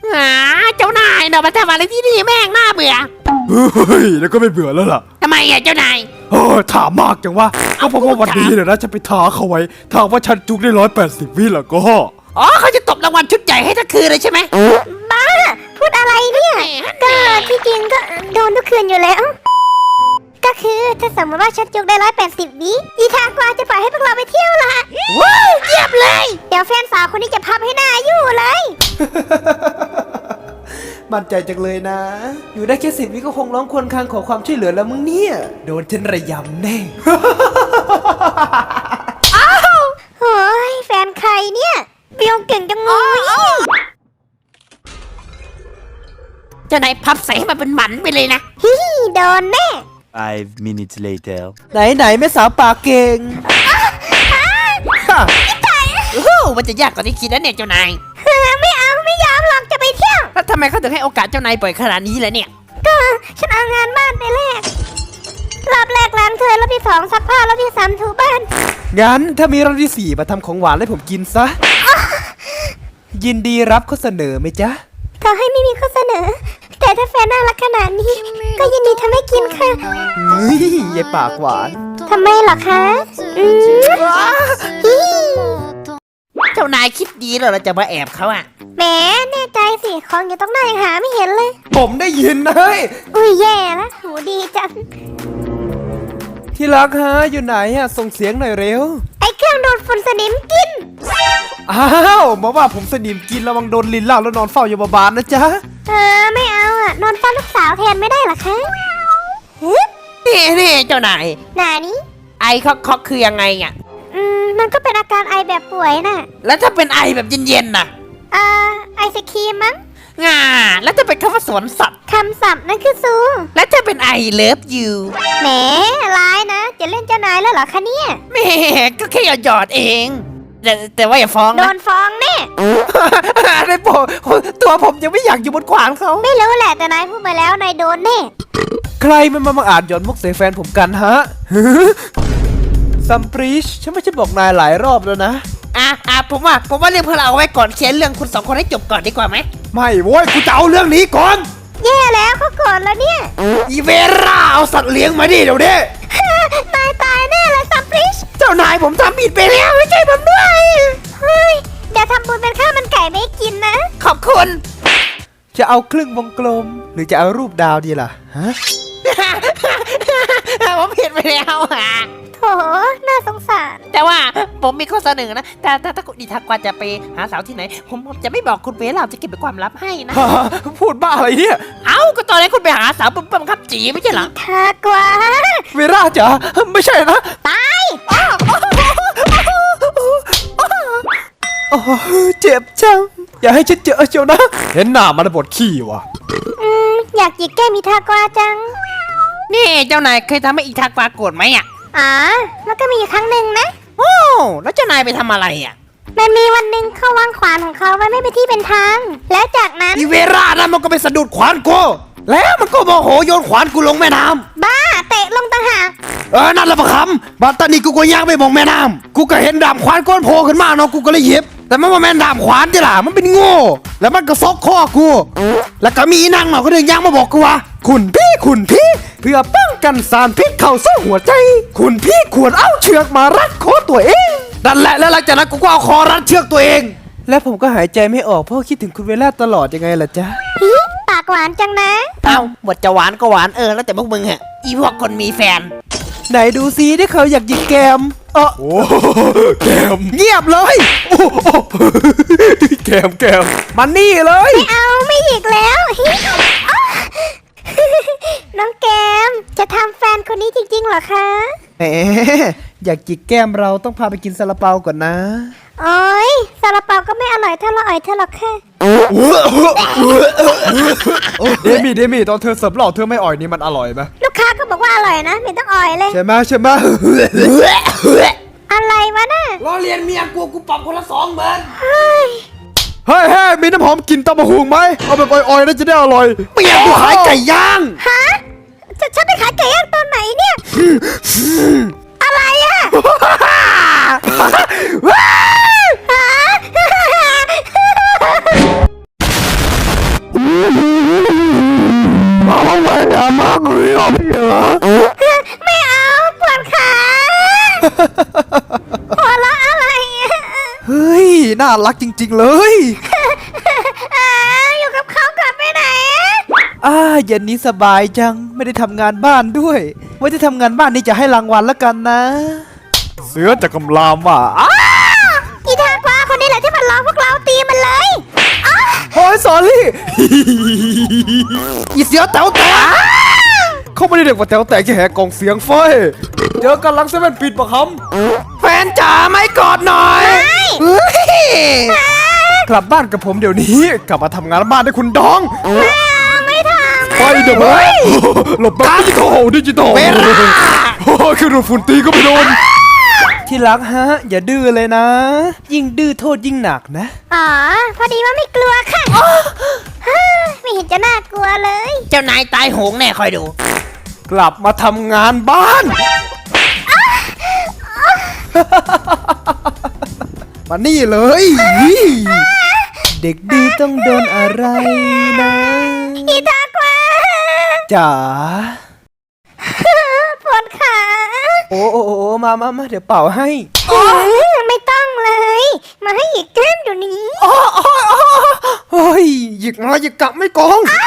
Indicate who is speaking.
Speaker 1: เจ้านายเนาะมาทำอะไรที่นี่แม่งน่าเบื่อ
Speaker 2: เฮ้ยแล้วก็ไม่เบื่อแล้วล่ะ
Speaker 1: ทำไมเจ้านาย
Speaker 2: ถามมากจังวะก็เพราะว่าวันนี้เนี่ยนะจะไปท้าเขาไว้ถ้าว่าฉันจุกได้180 วิแล้วก็
Speaker 1: เขาจะตบรางวัลชุดใหญ่ให้ทั้งคืนเลยใช่ไหม
Speaker 3: บ้าพูดอะไรเนี่ยก็ที่จริงก็โดนทุกคืนอยู่แล้วก็คือถ้าสมมติว่าฉันจุกได้180 วิอีทางกวางจะปล่อยให้พวกเราไปเที่ยวละ
Speaker 1: ว้าวเยี่ยมเลย
Speaker 3: เดี๋ยวแฟนสาวคนนี้จะพับให้หน้าอยู่เลย
Speaker 4: มั่นใจจังเลยนะอยู่ได้แค่10 วิก็คงร้องครวญครางขอความช่วยเหลือแล้วมึงเนี่ยโดนฉันระยำแน่
Speaker 3: อ้าวโอ้ยแฟนใครเนี่ยเปียวเก่งจังเลย
Speaker 1: เจ้านายพับใส่ให้มันเป็นหมันไปเลยนะ
Speaker 3: ฮิโดนแน่
Speaker 5: 5 minutes later
Speaker 4: ไหนแม่สาวปากเก่ง
Speaker 1: มันจะยากกว่าที่คิดนะเนี่ยเจ้านาย
Speaker 3: ไม่เอาไม่ยอมหรอกจะไปเที่ยว
Speaker 1: แล้วทำไมเขาถึงให้โอกาสเจ้านายบ่อยขนาดนี้ล่ะเนี่ย
Speaker 3: ก็ฉันเอางานบ้านไปแลกรอบแรกล้างถ้วยรอบที่2ซักผ้ารอบที่3ถูบ้าน
Speaker 4: งั้นถ้ามีรอบที่4มาทำของหวานให้ผมกินซะยินดีรับข้อเสนอไหมจ๊ะ
Speaker 3: ขอให้ไม่มีข้อเสนอแต่ถ้าแฟนน่ารักขนาดนี้ก็ยินดีทำให้กินค่ะ
Speaker 4: ยายปากหวาน
Speaker 3: ทำไมหรอคะ
Speaker 1: เจ้านายคิดดีแล้วเราจะมาแอบเขา
Speaker 3: แหมแน่ใจสิของอยู่ตรงหน้ายังหาไม่เห็นเลย
Speaker 4: ผมได้ยินนะเฮ้ย
Speaker 3: อุ้ยแย่ละหูดีจัง
Speaker 4: ที่รักฮะอยู่ไหนส่งเสียงหน่อยเร็ว
Speaker 3: ไอ้เครื่องดูดฝุ่นสนิมกิน
Speaker 4: อ้าวมาว่าผมสนิมกินระวังโดนลิ้นล่าแล้วนอนเฝ้ายมบาลนะจ๊ะ
Speaker 3: ไม่เอานอนเฝ้าลูกสาวแทนไม่ได้หรอคะ
Speaker 1: นี่เจ้านาย
Speaker 3: หนานี้
Speaker 1: ไอคอกคือยังไง
Speaker 3: มันก็เป็นอาการไอแบบป่วยน่ะ
Speaker 1: แล้วถ้าเป็นไอแบบเย็นๆน่ะ
Speaker 3: ไอศครีมมั้ง
Speaker 1: แล้วถ้าเป็นคำว่าสวนสัตว์
Speaker 3: คำศัพท์นั่นคือซู
Speaker 1: แล้วถ้าเป็นไอเลิฟยู
Speaker 3: แหมร้ายนะจะเล่นเจ้านายแล้วเหรอคะเนี่ย
Speaker 1: แหมก็แค่หยอดเองแต่ว่าอย่าฟ้องนะ
Speaker 3: โดนฟ้องแน่
Speaker 1: ในตัวผมยังไม่อยากอยู่บนขวานเขา
Speaker 3: ไม่รู้แหละแต่นายพูดไปแล้วนายโดนแน่
Speaker 4: ใครมันมาอ่านหย่อนมุกใส่แฟนผมกันฮะซัมปริชฉันไม่ใช่บอกนายหลายรอบแล้วนะ
Speaker 1: ผมว่าเรื่องพวกเราเอาไว้ก่อนเคลียร์เรื่องคุณ2 คนให้จบก่อนดีกว่าไหม
Speaker 4: ไม่โว้ยกูจะเอาเรื่องนี้ก่อน
Speaker 3: แย่แล้วเขาก่อนแล้วเนี่ย
Speaker 4: อีเวร่าเอาสัตว์เลี้ยงมาดิเดี๋ยวนี้
Speaker 3: นายตายแน่เลยซัมปริช
Speaker 1: เจ้านายผมทำผิดไปแล้วไม่ใช่ผมด้วย
Speaker 3: เฮ้ยเดี๋ยวทำบุญเป็นข้าวมันไก่ไม่กินนะ
Speaker 1: ขอบคุณ
Speaker 4: จะเอาครึ่งวงกลมหรือจะเอารูปดาวดีล่ะฮะ
Speaker 1: ผมผิดไปแล้ว
Speaker 3: โถน่าสงสาร
Speaker 1: แต่ว่าผมมีข้อเสนอนะถ้าคุณดิทักว่าจะไปหาสาวที่ไหนผมจะไม่บอกคุณเวลาจะเก็บเป็นความลับให้นะ
Speaker 4: พูดบ้าอะไรเนี่ย
Speaker 1: ก็ตอนนี้คุณไปหาสาวปั๊มครับจีไม่ใช่เหรอ
Speaker 3: ทักว่า
Speaker 4: เวลาจ๋าไม่ใช่นะ
Speaker 3: ตาย
Speaker 4: เจ็บจังอย่าให้ฉันเจอเชียวนะเห็นหน้ามันบดขี้ว่ะ
Speaker 3: อยากจิกแก้มีทากวาจัง
Speaker 1: นี่เจ้านายเคยทำให้อีทากวาโกรธไหม
Speaker 3: แล้วก็มีครั้งหนึ่งนะ
Speaker 1: แล้วเจ้านายไปทำอะไร
Speaker 3: มันมีวันหนึ่งเขาวางขวานของเขาไว้ไม่เป็นที่เป็นทางแล้วจากนั้น
Speaker 4: อีเวรานะมันก็ไปสะดุดขวานกูแล้วมันก็โมโหโยนขวานกูลงแม่น้
Speaker 3: ำบ้าเตะลงต่างหาก
Speaker 4: นั่นละประคำบัดตอนนี้กูก็ย่างไปมองแม่น้ำกูก็เห็นดาบขวานก้นโผล่ขึ้นมาเนาะกูก็เลยหยิบแต่มันว่าแม่ดาบขวานจ้ะล่ะมันเป็นโง่แล้วมันก็ซอกคอกูแล้วก็มีนางเนาะก็เดินย่างมาบอกกูว่าคุณพี่เพื่อป้องกันสารพิษเข้าสู่หัวใจคุณพี่ควรเอาเชือกมารัดคอตัวเองนั่นแหละแล้วหลังจากนั้นกูก็เอาคอรัดเชือกตัวเองแล้วผมก็หายใจไม่ออกเพราะคิดถึงคุณเวล่าตลอดยังไงล่ะจ๊ะ
Speaker 3: ปากหวานจังนะ
Speaker 1: บทจะหวานก็หวานแล้วแต่พวกมึงอีพวกคนมีแฟน
Speaker 4: ไหนดูซิที่เขาอยากหยิกแกมโอ้แกมเงียบเลยแกมมันนี่เลย
Speaker 3: ไม่เอาไม่หยิกแล้วน้องแกมจะทำแฟนคนนี้จริงๆเหรอคะ
Speaker 4: อยากจิกแก้มเราต้องพาไปกินซาลาเปาก่อนนะ
Speaker 3: โอ้ยซาลาเปาก็ไม่อร่อยเท่าเราอ่อยเธอหรอกค่ะ
Speaker 4: เดมี่ตอนเธอเสิร์ฟหล่อเธอไม่อ่อยนี่มันอร่อยไหม
Speaker 3: ลูกค้าก็บอกว่าอร่อยนะไม่ต้องอ่อยเลย
Speaker 4: ใช่ไหม
Speaker 3: อะไรวะน่ะ
Speaker 1: ล้อเลียนเมียกูปรับคนละ20,000
Speaker 4: เฮ้ยมีน้ำหอมกลิ่นตำมะฮุงไหมเอาแบบอ่อยๆน่าจะได้อร่อยเมียกูขายไก่ย่าง
Speaker 3: ฉันไปขายไก่ย่างตอนไหนเนี่ยอะไร
Speaker 2: น่ารักจริงๆเลย
Speaker 3: อยู่กับเขาก่อนไปไหนอะ
Speaker 2: เย็นนี้สบายจังไม่ได้ทำงานบ้านด้วยไว้ที่ทำงานบ้านนี่จะให้รางวัลแล้วกันนะ เสือจะกำลามว่ะ
Speaker 3: อีทากวาคนนี้แหละที่มันล้อพวกเราตีมันเลย
Speaker 2: โอ้ยสอรี่
Speaker 4: อีเสียวแต๋วแตก
Speaker 2: เขาไม่ได้เด็กว่าแถวแตกแค่แหกกล่องเสียงไฟเจอกันหลังเซเว่นปิดปะค
Speaker 4: แฟนจ๋าไม่กอดหน่อยเฮ้ย
Speaker 2: ำกลับบ้านกับผมเดี๋ยวนี้ กลับมาทำงานบ้านให้คุณดอง
Speaker 3: ไม่ทำ
Speaker 2: ไปเดี๋ยวมาหลบแบบดิจิตอลโอ้ยคือโดนฝุ่นตีก็ไม่โดน ที่รักฮะ อย่าดื้อเลยนะ ยิ่งดื้อโทษยิ่งหนักนะ
Speaker 3: อ๋อ พอดีว่าไม่กลัวค่ะไม่เห็นจะน่ากลัวเลย
Speaker 1: เจ้านายตายโหงแน่คอยดู
Speaker 2: กลับมาทำงานบ้าน
Speaker 4: มานี่เลย
Speaker 2: เด็กดีต้องโดนอะไรนะ
Speaker 3: อีทากวา
Speaker 2: จ๋า
Speaker 3: ปวดขา
Speaker 2: โอ้มาเดี๋ยวเป่าให้
Speaker 3: ไม่ต้องเลย มาให้อีกแก้มเดี๋ยวนี้
Speaker 4: เฮ้ยหยิกมาหยิกกลับไม่โกง